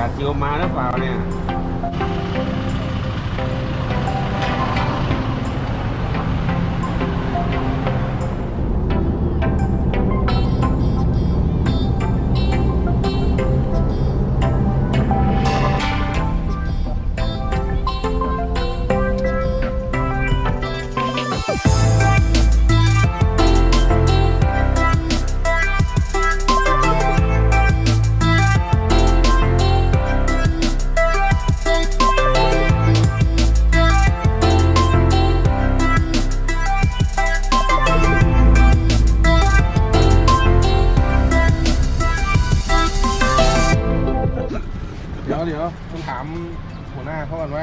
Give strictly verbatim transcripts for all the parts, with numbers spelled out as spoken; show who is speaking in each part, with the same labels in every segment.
Speaker 1: จิวมาหรือเปล่าเนี่ยเดี๋ยวเดี๋ยวผมถามหัวหน้าเขาก่อนว่า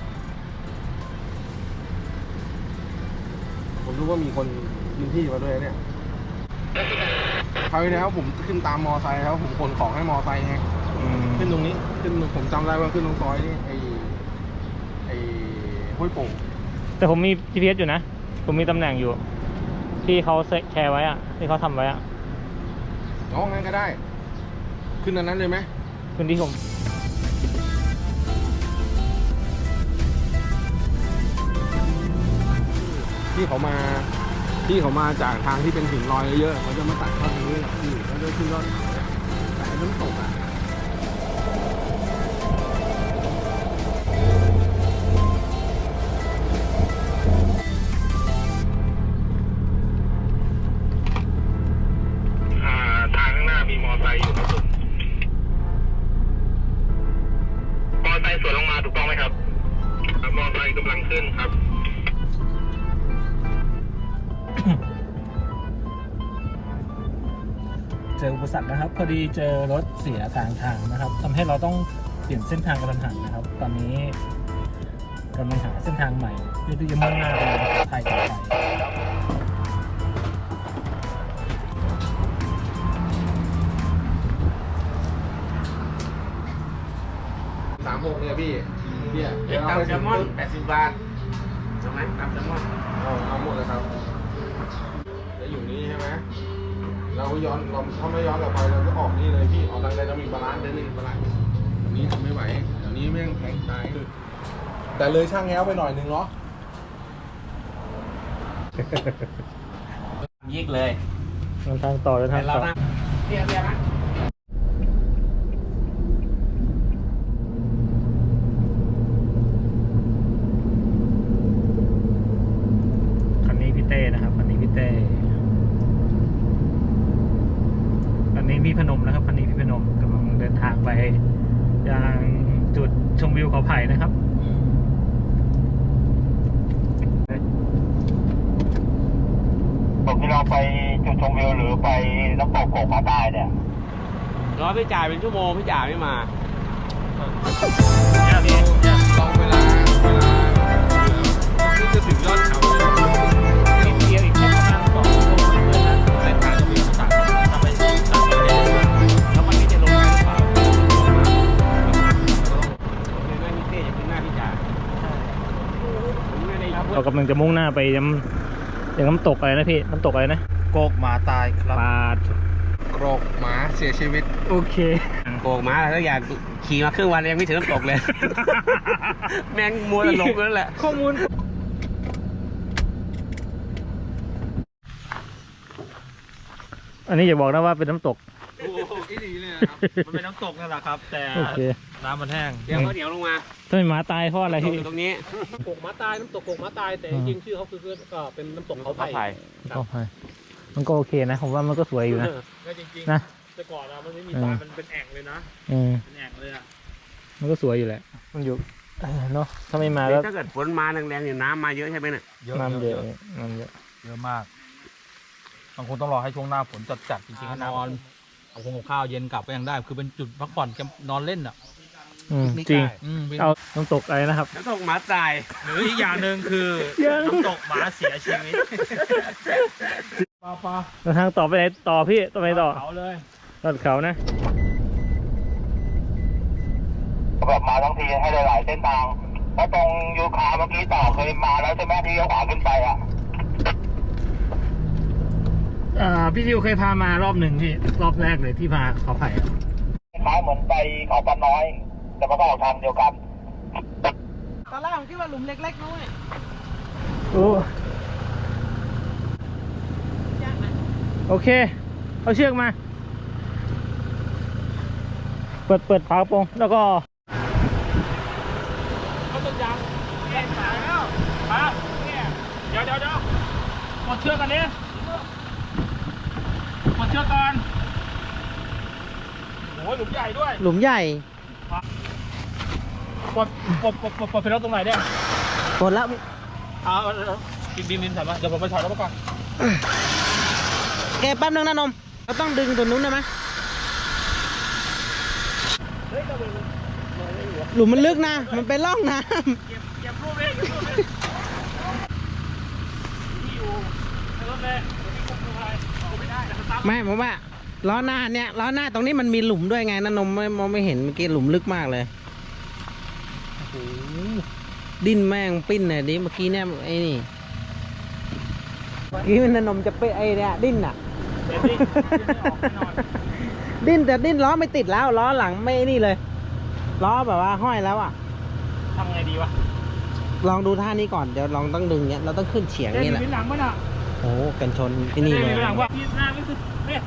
Speaker 1: ผมรู้ว่ามีคนพื้นที่มาด้วยเนี่ยคราวที่แล้วผมขึ้นตามมอไซค์แล้วผมขนของให้มอไซค์ไงขึ้นตรงนี้ขึ้นผมจำได้ว่าขึ้นตรงซอยนี่ไอ้ไอ้ห้วยโป่ง
Speaker 2: แต่ผมมี จี พี เอส อยู่นะผมมีตำแหน่งอยู่ที่เขาแชร์ไว้อะที่เขาทำไว้อะ
Speaker 1: อ๋องั้นก็ได้ขึ้นอันนั้นเลยไหม
Speaker 2: ขึ้นที่ผม
Speaker 1: ที่เขามาที่เขามาจากทางที่เป็นหินลอยเยอะๆเขาจะมาตัดเข้าตรงนี้แหละพี่แล้วจะขึ้นยอดเขาเนี่ยแต่น้ำตกอ่ะทางข้างหน้ามีมอไซค์อยู่ครับผมมอไซค์สวนลงมาถูกต้องไหมครับมอไซค์กำลังขึ้นครับ
Speaker 2: เจออุปสรรคนะครับพอดีเจอรถเสียทางทางนะครับทำให้เราต้องเปลี่ยนเส้นทางกระทันหันนะครับตอนนี้กำลังหาเส้นทางใหม่เพื่อที่จะมุ่งหน้าไปไทยต่อไป
Speaker 1: สามหกเนี่ยพี่เนี่ยเดี๋ยวเอาไปแซลมอนแปดสิบบาทใช่ไหมตามแซลมอนเอาเอาหมดเลยครับจะอยู่นี่ใช่ไหมเราย้อนเราถ้าไม่ย้อนกลับไปเราก็ออกนี่เลยพี่ออกทางใดเรามีบาลานซ์เดินหนึ่งบาลานซ์อันนี้ทำไม่ไหวเดี๋ยวนี้แม่งแข็งตายแต่เลยช่างแง้วไปหน่อยนึงเนาะ
Speaker 2: ยิกเลยทางต่อเลยทางต่อ
Speaker 1: เรียบเรียบนะ
Speaker 2: คันนี้พี่เต้นะครับคันนี้พี่เต้คันนี้พี่พนมนะครับคันนี้พี่พนมกำลังเดินทางไปยังจุดชมวิวเขาไผ่นะครับ
Speaker 3: ผมที่เราไปจุดชมวิวหรือไปน้ำตกโกกมาตายเนี่ย
Speaker 1: รอพี่จ่ายเป็นชั่วโมงพี่จ่ายไม่มา
Speaker 2: เนี่ยพี่
Speaker 1: ลองเวลาเวลาที่จะถึงยอดเขา
Speaker 2: นิดเดียวอีกแค่ประมาณสองชั่วโมงเท่านั้น
Speaker 1: เส้นทางจะมีสั่ง
Speaker 2: ทำไปสั่งไปเลยแล้วมันไม่จะลงไปหรือเปล่า
Speaker 1: ไม่มีเต้จะขึ้นหน้าพี่จ่าย
Speaker 2: เรากำลังจะมุ่งหน้าไปยังยังน้ำตกอะไรนะพี่น้ำตกอะไรนะ
Speaker 3: โกกหมาตายครับ
Speaker 2: ปาด
Speaker 1: โกรกหมาเสียชีวิต
Speaker 2: โอเค
Speaker 1: โกรกหมาอะไรสักอย่างขี่มาครึ่งวันยังไม่ถึงน้ำตกเลยแมงมัวหลงนั่นแหละ
Speaker 2: ข้อมูลอันนี้อย่าบอกนะว่าเป็นน้ำตก
Speaker 1: โอ้โหดีเลยครับ
Speaker 3: มันเป็นน้ำตกนั่นแหละครับแต่น้ำมันแห้ง
Speaker 1: เดี๋ยวเขาเหนียวลงมา
Speaker 2: ทำไมหมาตายเพราะอะไรที่
Speaker 1: ตรงนี้
Speaker 3: โกกหมาตายน้ำตกโกกหมาตายแต่จริงๆชื่อเขาคือก็เป็นน้ำตกเขาไผ่
Speaker 2: เขาไผ่มันก็โอเคนะผมว่ามันก็สวยอยู่นะ
Speaker 3: ก็จริงๆนะแต่ก่อนอะมันไม่มีทรายมันเป็นแอ่งเลยนะเป็นแอ่งเลยอะ
Speaker 2: มันก็สวยอยู่แหละมันอยู่เนาะถ้าไม่มาแล้ว
Speaker 1: ถ้าเกิดฝนมาแรงๆเนี่ยน้ำมาเยอะใช่ไหมเนี่ย
Speaker 2: น้ำเยอะน้ำเยอะ
Speaker 3: เยอะมากบางคนต้องรอให้ช่วงหน้าฝนจัดๆจริงๆนอนเอาคงข้าวเย็นกลับก็ยังได้คือเป็นจุดพักผ่อนนอนเล่นอ่ะ
Speaker 2: จริงเอาน้ำตกอะไรนะครับ
Speaker 1: น้ำตกหมาตาย
Speaker 3: หรืออีกอย่างหนึ่งคือน้ำตกหมาเสียชีวิตปลาปลา
Speaker 2: แล้วทางต่อไปไหนต่อพี่ต่อไปต่อ
Speaker 3: เขาเลย
Speaker 2: ตัดเขานะ
Speaker 3: แบบมาทั้งทีให้หลายเส้นทางแล้วตรงยูคาเมื่อกี้ต่อเคยมาแล้วใช่ไหมที่เขาขวาขึ้นไปอ่ะ
Speaker 2: อ่าพี่ทิวเคยพามารอบหนึ่งพี่รอบแรกเลยที่พาเขาไผ่
Speaker 3: คล้ายเหมือนไปเขาปลาน้อย
Speaker 4: แต่มันก็ออกทางเดียวกัน
Speaker 5: ตอนแรกผมคิดว่าหลุมเล็กๆนู้น
Speaker 2: โอ้โอเค เอาเชือกมา เปิดเปิดฝากระโปรงแล้วก็เขาต้นยางแย่สายแล้วมาเนี่ยเดี๋ยวเดี๋ยวเดี๋ยวกดเชือกกันนี้กดเชือกก่อนโอ้ยหลุมใหญ่ด้วย
Speaker 5: หลุมใหญ่
Speaker 2: ปลดปลดปลดปลดปลดไปแล้วตรงไหนเนี่ย
Speaker 5: หมดแล้ว
Speaker 2: เอาดินดินดินใส่มาเดี๋ยวผมไปถอดแล้วมาก่อน
Speaker 5: แกแป๊บนึงนะนมเราต้องดึงตัวนู้นได้ไหมหลุมมันลึกนะ มันเป็นร่องน้
Speaker 2: เก็บเก็บรูปเลยเก็บรูปเลยที่อยู่ในรถเลยที่คุมตัวอะไรเอาไม่ได้แต่สตาร์ท
Speaker 5: ำไม่ผมว่าล้อหน้าเนี่ยล้อหน้าตรงนี้มันมีหลุมด้วยไงนะนมไม่มองไม่เห็นเมื่อกี้หลุมลึกมากเลยดิ้นแม่งปิ้นเลยดิเมื่อกี้เนี่ยไอ้นี่เมื่อกี้มันนมจะเปไอ้เนี่ยดิ้นอ่ะ
Speaker 2: เดี๋ยวดิไม่ออกแน่นอน
Speaker 5: ดิ้นแต่ดิ้นล้อไม่ติดแล้วล้อหลังไม่นี่เลยล้อแบบว่าห้อยแล้วอ่ะ
Speaker 2: ทำไงดีวะ
Speaker 5: ลองดูท่านี้ก่อนเดี๋ยวลองต้องดึงเนี้ยเราต้องขึ้นเฉียง
Speaker 2: เดี๋ยว
Speaker 5: นี่แหละ
Speaker 2: มีหลังมั้ยน่ะ
Speaker 5: โอ้กันชนที่นี่เลย
Speaker 2: มีหลังว่าพี่หน้าไม่คือเนี่ย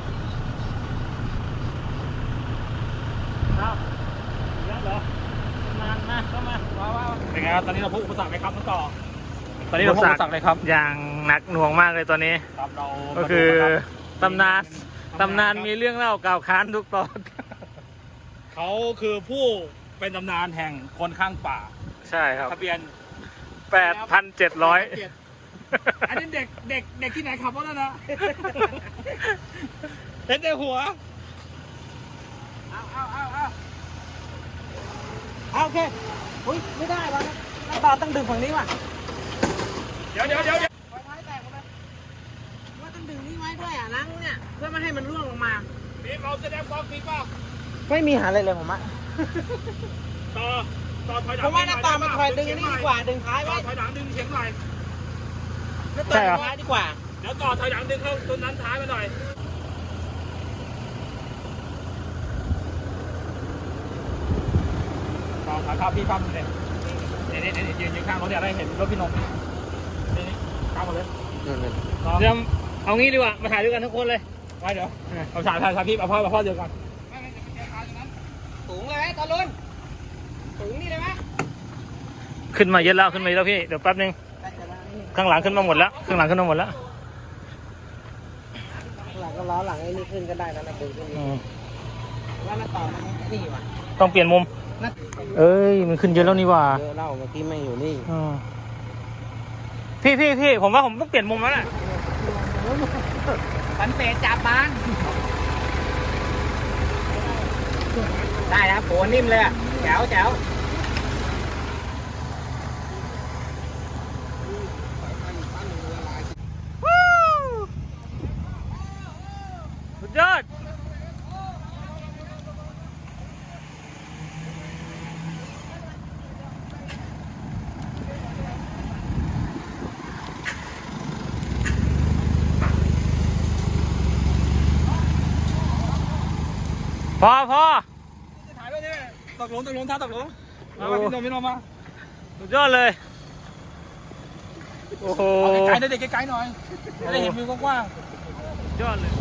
Speaker 2: ครับเยอะเหรอมามาเข้ามาว้าวว้าวเป็นไงครับตอนนี้เราพบอุปสรรคไหมครับน้องต่อตอนนี้เราพบอุปสรรคเลยครับ
Speaker 6: อย่างหนักหน่วงมากเลยตอนนี้
Speaker 2: ครับเรา
Speaker 6: ก็คือตำนานตำนานมีเรื่องเล่ากล่าวค้านทุกตอน
Speaker 2: เขาคือผู้เป็นตำนานแห่งคนข้างป่า
Speaker 6: ใช่ครับ
Speaker 2: ทะเบียน
Speaker 6: แปดพันเจ็ดร้อย
Speaker 2: อันนี้เด็กเด็กเด็กที่ไหนขับรถนะเห็นแต่หัวเอาเอาเอาเอา
Speaker 5: เอาโอเคอุ้ยไม่ได้วะน้ำตาต้องดึงฝั่งนี้ว่ะ
Speaker 2: เดี๋ยวเดี๋ยวเดี๋ยว
Speaker 5: ไฟท้ายแตกหมดเลยว่าต้องดึงนี่ไว้ด้วยอ่ะล้างเนี่ยเพื่อไม่ให้มันร่วงลงมา
Speaker 2: นี่เราแสดงความมีเปล่า
Speaker 5: ไม่มีหาอะไรเลยผมอะ
Speaker 2: ต่อต่อถอยหลัง
Speaker 5: ผมว่าน้ำตามันคอยดึงนี่ดีกว่าดึงท้าย
Speaker 2: ต่อ
Speaker 5: ไว้
Speaker 2: ถอยหลังดึงเฉียงหน่อย
Speaker 5: น้ำตาดึงท้ายดีกว่า
Speaker 2: เดี๋ยวต่อถอยหลังดึงเข้าต้นนั้นท้ายมาหน่อยต่อขาข้าวพี่ปั๊มเลยนี่นี่นี่ยืนยืนข้างรถเนี่ยได้เห็นรถพี่นมนี่นี่ข้ามหมดเลย
Speaker 6: เดี๋ยวเอางี้ดีกว่ามาถ่ายด้วยกันทุกคนเลย
Speaker 2: ไว้เดี๋ยวเอาถ่ายถ่ายถ่ายพี่เอาพ่อเอาพ่อเดียวกัน
Speaker 5: สูงเลยไหมตอนลุ้นสูงนี่เลยไหม
Speaker 6: ขึ้นมาเยอะแล้วขึ้นมาเยอะแล้วพี่เดี๋ยวแป๊บนึงข้างหลังขึ้นมาหมดแล้วข้างหลังขึ้นมาหมดแล้ว
Speaker 5: หลังก็ล้อหลังไอ้นี่ขึ้นก็ได้แล้วนะดึงขึ้น
Speaker 6: อืม
Speaker 5: ว่าน้ำตามันนี่ว่ะ
Speaker 6: ต้องเปลี่ยนมุมเอ้ยมันขึ้นเยอะแล้วนี่หว่า
Speaker 5: เยอะเล่าเมื่อกี้ไม่อยู่นี่
Speaker 6: อืมพี่พี่พี่ผมว่าผมต้องเปลี่ยนมุมแล้วแหละ
Speaker 5: ปันเปจับมันได้ครับโหนิ่มเลยอะแจ๋วแจ๋ว
Speaker 6: สุดยอดพอพอ
Speaker 2: ถ่ายด้วยนี่ตกหลุมตกหลุมท่าตกหลุมมามาพี่นมพี่นมมา
Speaker 6: สุดยอดเลย โอ้โห
Speaker 2: เอาไกลๆหน่อยเด็กไกลๆหน่อยจะได้เห็นวิวกว้าง
Speaker 6: สุดยอดเลย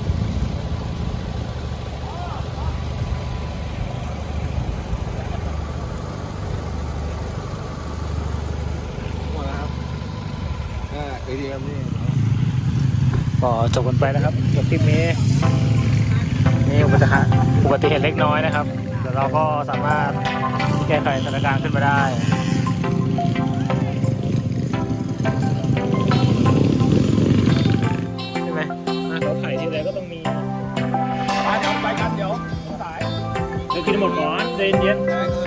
Speaker 1: หมดแล้วครับอ่าเอทีเอ็มนี่
Speaker 6: ก็จบกันไปนะครับกับคลิปนี้นี่อุบัติเหตุอุบัติเหตุเล็กน้อยนะครับแต่เราก็สามารถแก้ไขสถานการณ์ขึ้นมาได้ใช่ไหมเราถ่ายทีไรก็ต้องมี
Speaker 2: ๆมาเดี๋ยวไปกันเดี๋ยวสาย
Speaker 6: เดี๋ยวกินหมดก่อนใจเย็น
Speaker 1: ได้ค